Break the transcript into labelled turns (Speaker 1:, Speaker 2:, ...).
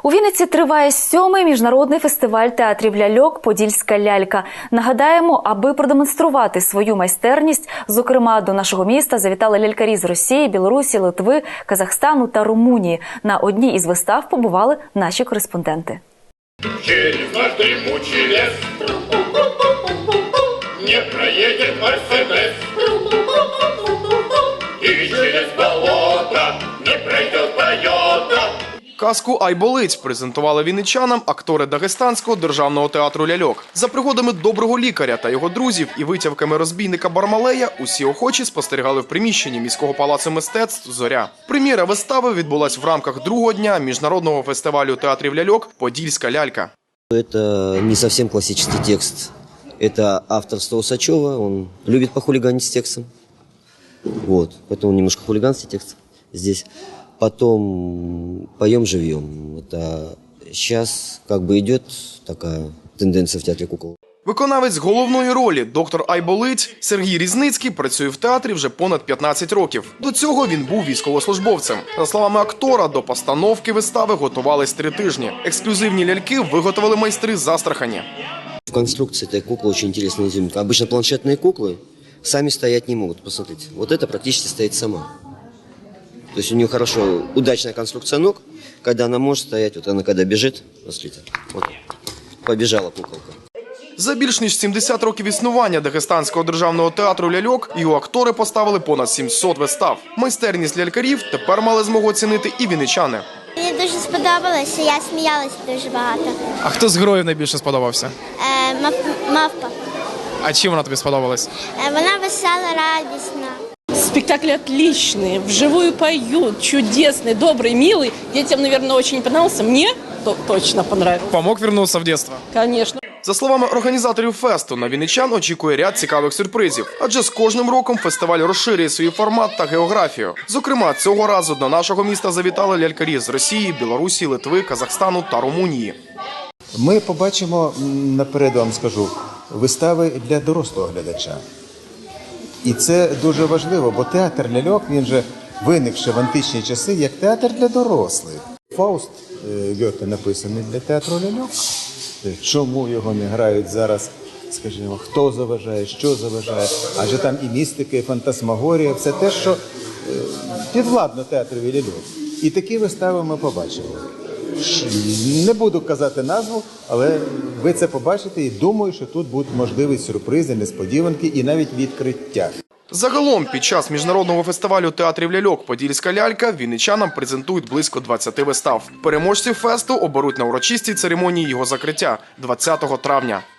Speaker 1: У Вінниці триває 7-й міжнародний фестиваль театрів ляльок «Подільська лялька». Нагадаємо, аби продемонструвати свою майстерність, зокрема, до нашого міста завітали лялькарі з Росії, Білорусі, Литви, Казахстану та Румунії. На одній із вистав побували наші кореспонденти.
Speaker 2: Через наш дремучий лес не проедет Мерседес, и через болото не пройдет Тойота.
Speaker 3: Казку «Ай болить» презентували вінничанам актори Дагестанського державного театру ляльок. За пригодами доброго лікаря та його друзів і витівками розбійника Бармалея усі охочі спостерігали в приміщенні міського палацу мистецтв «Зоря». Прем'єра вистави відбулась в рамках другого дня міжнародного фестивалю театрів ляльок «Подільська лялька».
Speaker 4: Это не совсем классический текст. Это авторство Усачева, он любит похулиганить с текстом. Вот, поэтому немножко хулиганский текст здесь. Потом поем живьем. Это сейчас как бы идет такая тенденция в театре кукол.
Speaker 3: Виконавець головної ролі, доктор Айболить, Сергій Різницький, працює в театрі вже понад 15 років. До цього він був військовослужбовцем. За словами актора, до постановки вистави готувались 3 тижні. Ексклюзивні ляльки виготовили майстри з Астрахані.
Speaker 4: В конструкции этой куклы очень интересная изюминка. Обычно планшетные куклы сами стоять не могут. Посмотрите, вот это практически стоит сама. То есть у нее хорошо, удачная конструкция ног, когда она может стоять, вот она когда бежит, посмотрите, вот, побежала куколка.
Speaker 3: За більш ніж 70 років існування Дагестанського державного театру ляльок його актори поставили понад 700 вистав. Майстерність лялькарів тепер мали змогу оцінити і вінничани.
Speaker 5: Мені дуже сподобалося, я сміялася дуже багато.
Speaker 6: А хто з героїв найбільше сподобався?
Speaker 5: Мавпа.
Speaker 6: А чим вона тобі сподобалась?
Speaker 5: Вона весела, радісна.
Speaker 7: Спектакль отличный, вживую поют, чудесный, добрый, милый. Детям, наверное, очень понравился. Мне точно понравился.
Speaker 6: Помог вернуться в детство?
Speaker 7: Конечно.
Speaker 3: За словами організаторів фесту, на вінничан очікує ряд цікавих сюрпризів. Адже з кожним роком фестиваль розширює свій формат та географію. Зокрема, цього разу до нашого міста завітали лялькарі з Росії, Білорусі, Литви, Казахстану та Румунії.
Speaker 8: Ми побачимо, наперед вам скажу, вистави для дорослого глядача. І це дуже важливо, бо театр ляльок, він же виникши в античні часи як театр для дорослих. Фауст Гьоте написаний для театру ляльок. Чому його не грають зараз, скажімо, хто заважає, що заважає, адже там і містика, і фантасмагорія, все те, що підвладно театрові ляльок. І такі вистави ми побачили. Не буду казати назву, але ви це побачите і думаю, що тут будуть можливі сюрпризи, несподіванки і навіть відкриття.
Speaker 3: Загалом, під час міжнародного фестивалю театрів ляльок «Подільська лялька» вінничанам презентують близько 20 вистав. Переможців фесту оберуть на урочистій церемонії його закриття 20 травня.